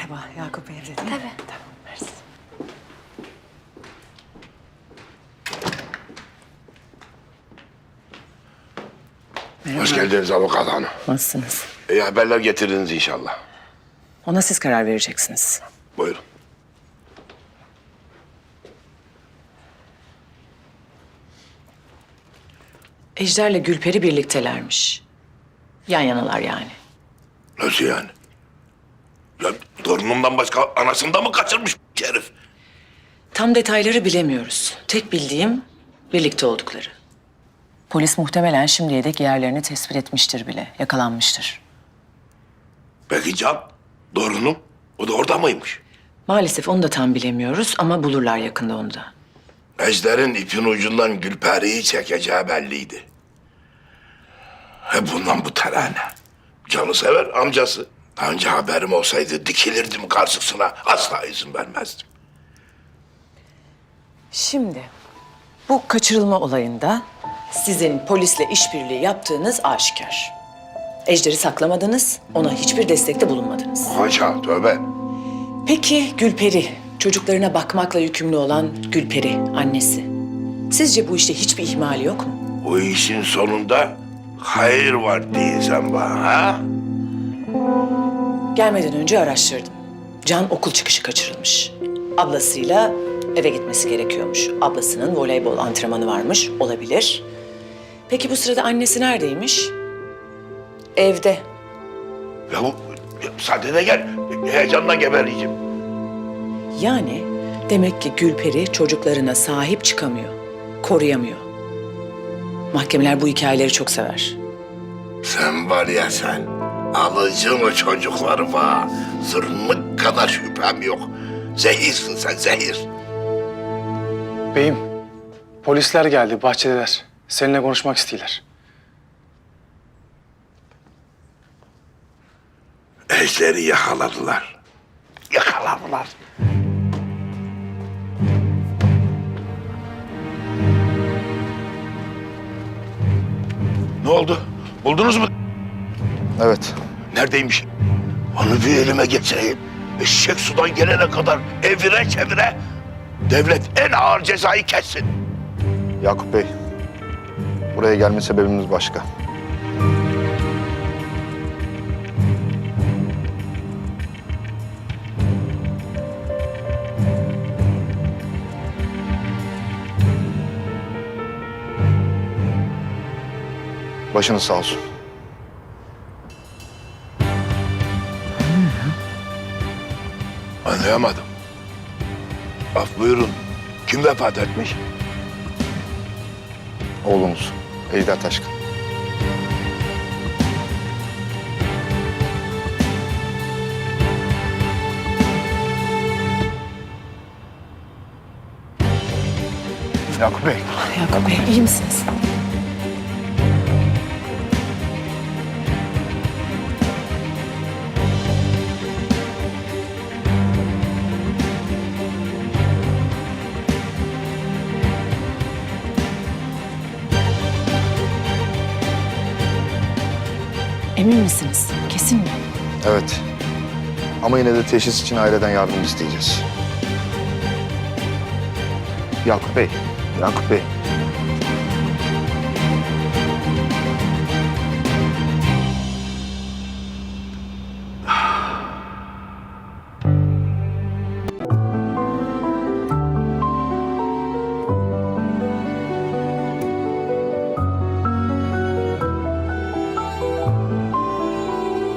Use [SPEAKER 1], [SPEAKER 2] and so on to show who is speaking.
[SPEAKER 1] Merhaba, Yakup evde değil mi?
[SPEAKER 2] Tabii.
[SPEAKER 1] Tamam, mersi.
[SPEAKER 3] Hoş geldiniz avukat hanım.
[SPEAKER 1] Nasılsınız?
[SPEAKER 3] İyi haberler getirdiniz inşallah.
[SPEAKER 1] Ona siz karar vereceksiniz.
[SPEAKER 3] Buyurun.
[SPEAKER 1] Ejder'le Gülperi birliktelermiş. Yan yanalar yani.
[SPEAKER 3] Nasıl yani? Ya torunumdan başka anasını da mı kaçırmış bu herif?
[SPEAKER 1] Tam detayları bilemiyoruz. Tek bildiğim birlikte oldukları. Polis muhtemelen şimdiye dek yerlerini tespit etmiştir bile, yakalanmıştır.
[SPEAKER 3] Peki Can, torunum, o da orada mıymış?
[SPEAKER 1] Maalesef onu da tam bilemiyoruz ama bulurlar yakında onu da.
[SPEAKER 3] Ejder'in ipin ucundan Gülperi'yi çekeceği belliydi. Hep bundan bu terane. Can'ı sever amcası. Daha önce haberim olsaydı dikilirdim karşısına. Asla izin vermezdim.
[SPEAKER 1] Şimdi bu kaçırılma olayında sizin polisle işbirliği yaptığınız aşikar. Ejder'i saklamadınız, ona hiçbir destekte bulunmadınız.
[SPEAKER 3] Haşa, tövbe.
[SPEAKER 1] Peki Gülperi, çocuklarına bakmakla yükümlü olan Gülperi, annesi. Sizce bu işte hiçbir ihmali yok mu?
[SPEAKER 3] Bu işin sonunda hayır var diyeceğim bana, ha?
[SPEAKER 1] Gelmeden önce araştırdım. Can okul çıkışı kaçırılmış. Ablasıyla eve gitmesi gerekiyormuş. Ablasının voleybol antrenmanı varmış, olabilir. Peki bu sırada annesi neredeymiş? Evde.
[SPEAKER 3] Ya bu, müsaadene gel. Heyecandan geberiyeceğim.
[SPEAKER 1] Yani demek ki Gülperi çocuklarına sahip çıkamıyor, koruyamıyor. Mahkemeler bu hikayeleri çok sever.
[SPEAKER 3] Sen var ya sen, alıcın o çocukları var. Zırnık kadar şüphem yok. Zehirsin sen, zehir.
[SPEAKER 4] Beyim, polisler geldi, bahçedeler. Seninle konuşmak istiyorlar.
[SPEAKER 3] Ejder'i yakaladılar. Yakaladılar. Ne oldu? Buldunuz mu?
[SPEAKER 5] Evet.
[SPEAKER 3] Neredeymiş? Onu bir elime geçireyim. Eşek sudan gelene kadar evire çevire devlet en ağır cezayı kessin.
[SPEAKER 5] Yakup Bey, buraya gelme sebebimiz başka. Başınız sağ olsun.
[SPEAKER 3] Anlayamadım. Af buyurun. Kim vefat etmiş?
[SPEAKER 5] Oğlunuz, Ejder Taşkın. Yakup Bey.
[SPEAKER 1] Yakup Bey, iyi misiniz? Emin misiniz? Kesin mi?
[SPEAKER 5] Evet. Ama yine de teşhis için aileden yardım isteyeceğiz. Yakup Bey, Yakup Bey.